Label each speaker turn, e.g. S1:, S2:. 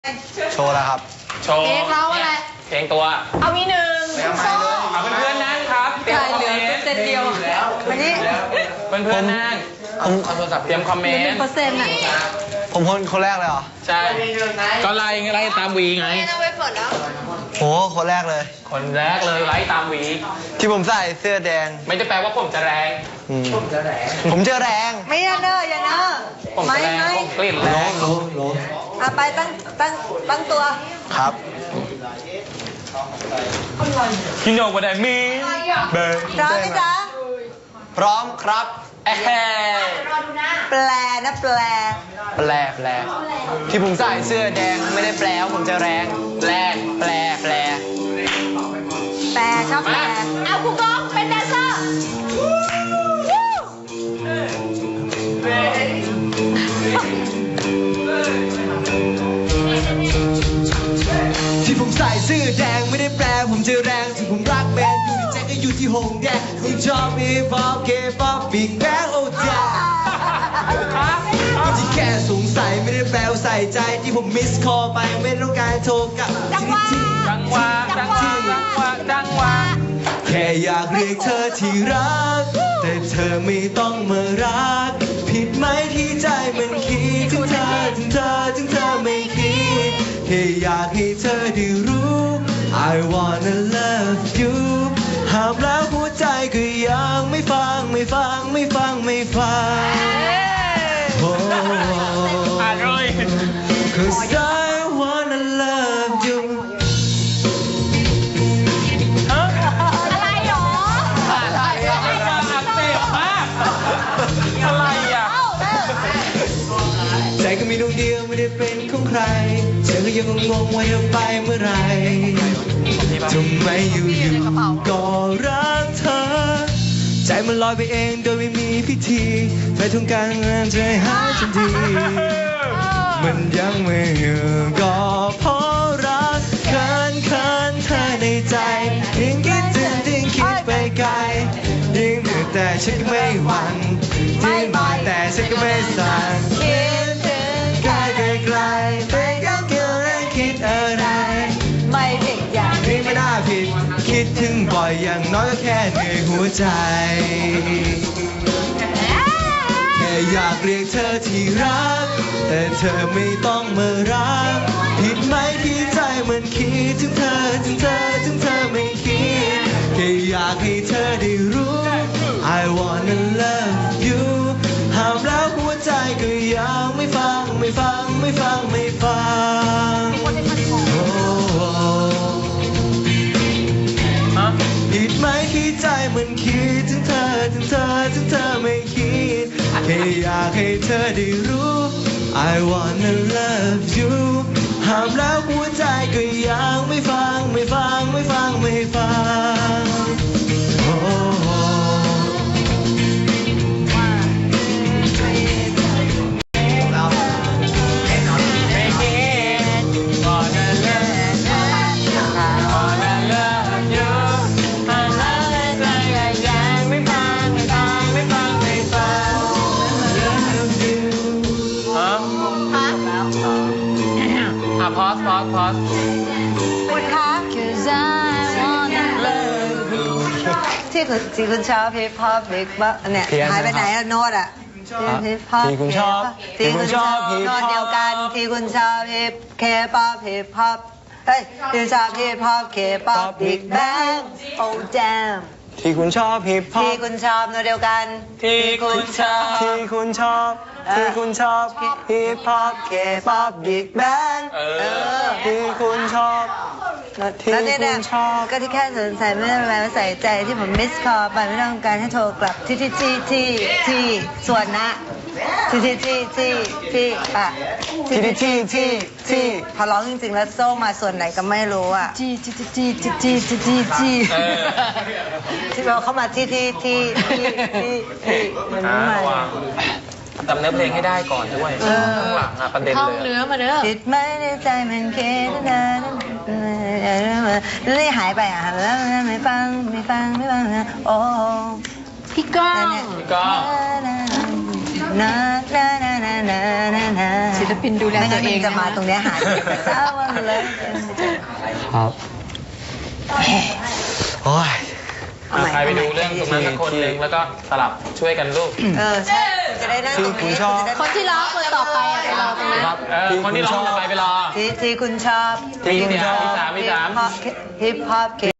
S1: โชว์แล้วครับ
S2: โชว์
S3: เพลงเราอะไร
S2: เพลงตัว
S3: เอามีหนึ่ง
S2: เอาเพื่อนๆนั่งครับเตรียมคอมเมนต์
S3: เซตเดียววันนี้
S2: เพื่อนๆนั่งเตรียมคอมเมนต์
S3: 1%อ่ะ
S1: ผมคนแรกเลยเหรอ
S2: ใช่ก็ไล่ตามวีไง
S1: โหคนแรกเลย
S2: คนแรกเลยไล่ตามวี
S1: ที่ผมใส่เสื้อแดง
S2: ไม่ได้แปลว่าผมจะแรง
S1: ผมจะแรง
S3: ไม่อย่าเนอะอย่าเนอะ
S2: ผมจะแรงผมกลิ่นแรง
S3: ไปตั้งตัว
S1: ครับ
S2: You know what I mean
S3: พร้อมไหมจ๊ะ
S1: พร้อมครับ
S3: แปลนะแปล
S1: ที่ผมใส่เสื้อแดงไม่ได้แปลว่าผมจะแรงแปล
S3: ชอบแปลเอาครูกองเป็นแดนเซอร์
S1: ที่ผมใส่เสื้อแดงไม่ได้แปลผมจะแรงที่ผมรักแบนอยู่ในใจก็อยู่ที่หงแดงคุณชอบฮิปฮอปเคป๊อปบิ๊กแบงโอ้จ้าที่แค่สงสัยไม่ได้แปลว่าใส่ใจที่ผมมิสคอลไปไม่ต้องการโทรกลับ
S2: จังหวะ
S1: แค่อยากเรียกเธอที่รักแต่เธอไม่ต้องมารักผิดไหมที่ใจมันคิดถึงเธอไม่คิดแค่อยากให้เธอได้รู้ I wanna love you ห้ามแล้วหัวใจก็ยังไม่ฟังoh Cause I wanna love you
S3: อะไรหรอ
S2: อะไรอ่ะ
S1: ใจก็มีดวงเดียวไม่ได้เป็นของใครเธอก็ยังงงว่าจะไปเมื่อไรทำไมอยู่ก็รักเธอใจมันลอยไปเองโดยไม่มีพิธีไปทำการงานใจหายทันทีมันยังไม่อยู่ก็เพราะรักเคินเธอในใจยิ่งคิดถึงยิ่งคิดไปไกลยิ่งเหนื่อยแต่ฉันก็ไม่หวั่นยิ่งบ่อยแต่ฉันก็ไม่สั่นคิดถึงไกลไม่ยังเกี่ยวกับคิดอะไร
S3: ไม่ผิดอย่าง
S1: นี้ไม่น่าผิดคิดถึงบ่อยอย่างน้อยก็แค่เหนื่อยหัวใจแค่อยากเรียกเธอที่รักแต่เธอไม่ต้องมารักผิดไหมที่ใจมันคิดถึงเธอไม่คิดแค่อยากให้เธอได้รู้ I wanna love you ห้ามแล้วหัวใจก็ยังไม่ฟังผิดไหมที่ใจมันคิดถึงเธอไม่คิดแค่อยากให้เธอได้รู้ I wanna love you ห้ามแล้วหัวใจก็ยังไม่ฟัง
S2: พอส
S3: คุณคะที่คุณชอบฮิปฮอปบิ๊กบ๊อบเนี่ยหายไปไหนอะโน้ตอะ
S1: ที่คุณชอบ
S3: โน้ตเดียวกันที่คุณชอบฮิปเคป๊อปฮิปฮอปที่ชอบฮิปฮอปเคป๊อปบิ๊กแบงโอ้แจม
S1: ที่คุณชอบฮิปฮอป
S3: ที่คุณชอบโน้ตเดียวกัน
S2: ที่คุณชอบ
S1: ฮิปฮอปเคป๊อปบิ๊กแบงที่คุณชอบ
S3: แล้วเนี่ยก็ที่แค่สนใจไม่ได้แปลว่าใส่ใจที่ผมมิสคอลไปไม่ต้องการให้โทรกลับที่ส่วนนะที่พอร้องจริงๆแล้วโซ่มาส่วนไหนก็ไม่รู้อ่ะที่เราเข้ามาที่มันไม่มา
S2: จำเนื้อเพลงให้ได้ก่อนด้วยข้างหลังประเด็นเลยท่อง
S3: เนื้อมาเด้อติดไม่ได้ใจมันเคนะแล้วหายไปอ่ะแล้วไม่ฟังโอ้พี่ก้อง
S4: ลปินดูแล
S3: ไม่
S4: ตั
S3: งั้
S4: วน เอ
S3: มัน
S4: ง
S3: จะมาตรงเนี้ยหาเศร้าเลย
S1: ครับ โอ้ย
S2: ใครไปดูเรื่องตรงนั้นสักคนหนึ่งแล้วก็สลับช่วยกันลูก
S3: ใช่จะได้นั่งตรงนี้
S4: คนที่ร้องคนต่อไปอะไปรอตรงนั้น
S2: ครับคนที่ร้องต่อไปรอ
S3: ที่คุณชอบ
S2: ที่สาม
S3: ฮิปฮอป